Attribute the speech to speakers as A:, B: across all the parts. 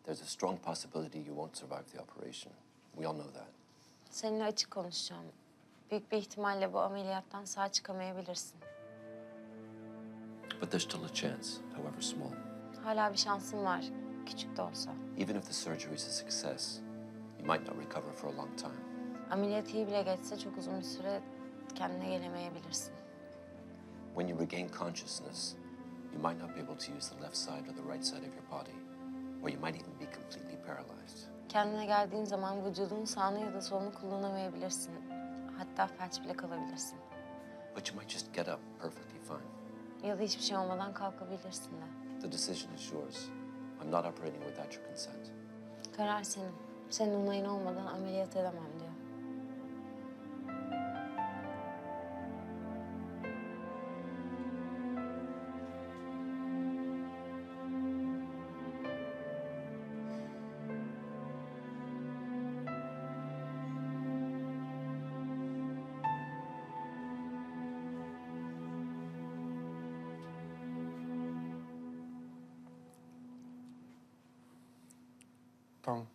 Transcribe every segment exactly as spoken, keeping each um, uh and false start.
A: there's a strong possibility you won't survive the operation. We all know that.
B: Seninle açık konuşacağım. Büyük bir ihtimalle bu ameliyattan sağ çıkamayabilirsin.
A: But there's still a chance, however small.
B: Hala bir şansın var, küçük de olsa.
A: Even if the surgery is a success, you might not recover for a long time.
B: Ameliyat iyi bile geçse çok uzun bir süre kendine gelemeyebilirsin.
A: When you regain consciousness, you might not be able to use the left side or the right side of your body, or you might even be completely paralyzed.
B: Kendine geldiğin zaman vücudunun sağını ya da solunu kullanamayabilirsin. Hatta felç bile kalabilirsin.
A: But you might just get up perfectly fine.
B: Ya da hiçbir şey olmadan kalkabilirsin de.
A: The decision is yours. I'm not operating without your consent.
B: Karar senin. Senin onayın olmadan ameliyat edemem diyor.
C: Tamam.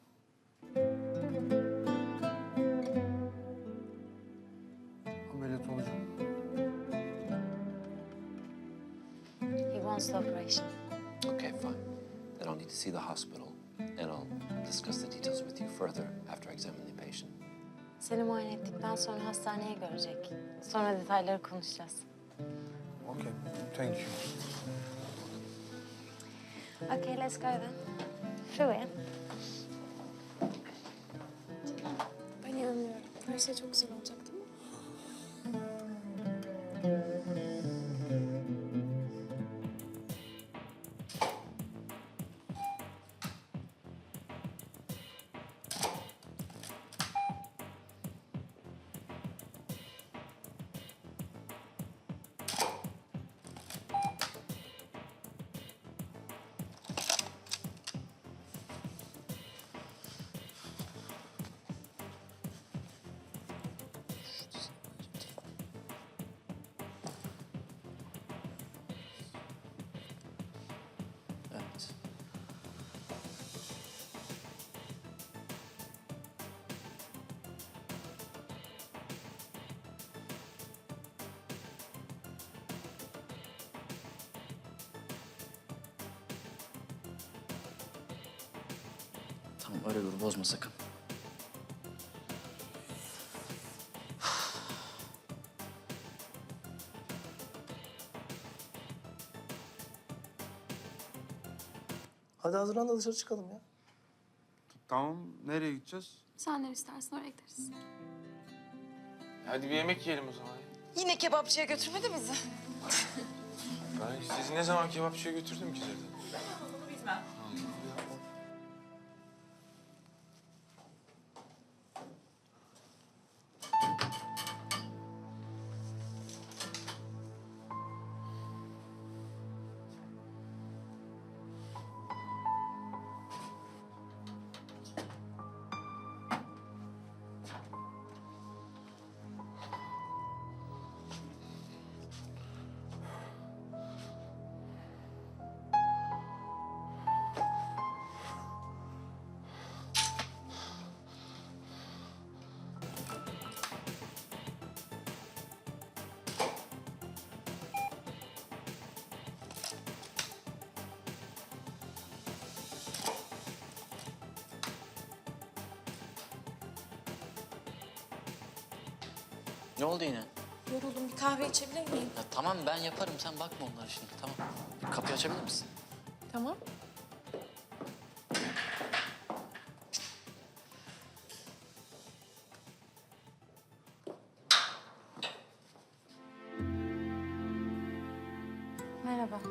C: Ameliyat olacağım.
B: He wants the operation.
A: Okay, fine. Then I'll need to see the hospital, and I'll discuss the details with you further after I examine the patient.
B: Seni muayene ettikten sonra hastaneye görecek. Sonra detayları konuşacağız.
C: Okay, thank you.
B: Okay, let's go then. Through it.
D: Ben inanıyorum. Her şey çok güzel olacak değil mi?
A: Evet.
E: Tamam öyle dur, bozma sakın.
F: Hadi hazırlan da dışarı çıkalım ya.
C: Tamam, nereye gideceğiz?
D: Sen nereye istersen oraya gideriz.
G: Hadi bir yemek yiyelim o zaman.
H: Yine kebapçıya götürmedi bizi.
G: Ben sizi ne zaman kebapçıya götürdüm ki zaten?
E: Ne oldu yine?
D: Yoruldum. Bir kahve içebilir miyim?
E: Ya tamam ben yaparım, sen bakma onlara şimdi, tamam. Kapıyı açabilir misin?
D: Tamam.
B: Merhaba.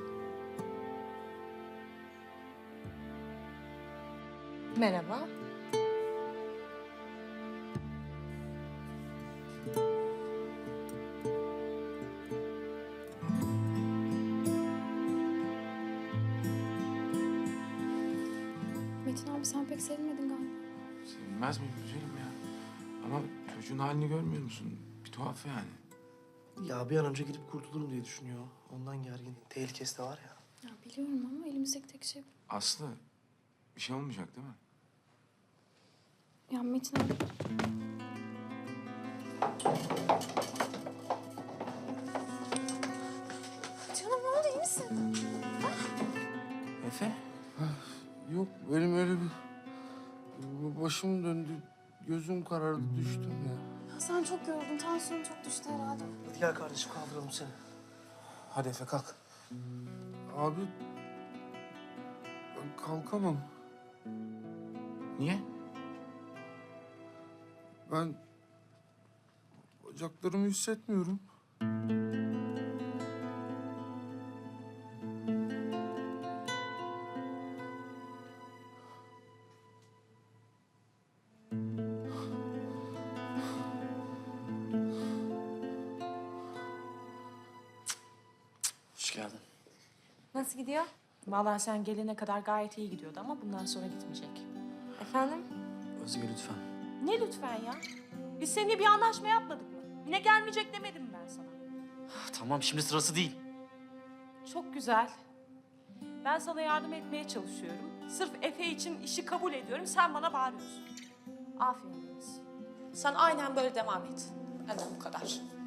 H: Merhaba.
D: Metin abi sen pek sevinmedin galiba.
G: Sevinmez miyim güzelim ya? Ama çocuğun halini görmüyor musun? Bir tuhaf yani.
F: Ya bir an önce gidip kurtulurum diye düşünüyor. Ondan gergin. Tehlikesi de var ya.
D: Ya biliyorum ama elimizdeki tek şey bu.
G: Aslı, Bir şey olmayacak değil mi?
D: Ya Metin abi. Canım ne oldu, iyi misin?
E: Efe?
C: Yok benim öyle bir... Başım döndü, gözüm karardı, düştüm ya.
D: Ya sen çok yoruldun, tansiyonun çok düştü herhalde.
F: Hadi gel kardeşim kaldıralım seni.
C: Hadi Efe kalk. Abi... Ben kalkamam.
G: Niye?
C: Ben... Bacaklarımı hissetmiyorum.
E: Hoş geldin.
H: Nasıl gidiyor?
I: Vallahi sen gelene kadar gayet iyi gidiyordu ama bundan sonra gitmeyecek.
B: Efendim?
E: Özge lütfen.
I: Ne lütfen ya? Biz seninle bir anlaşma yapmadık mı? Yine gelmeyecek demedim mi ben sana?
E: Tamam şimdi sırası değil.
I: Çok güzel. Ben sana yardım etmeye çalışıyorum. Sırf Efe için işi kabul ediyorum. Sen bana bağırıyorsun. Aferin Deniz. Sen aynen böyle devam et. Benden bu kadar.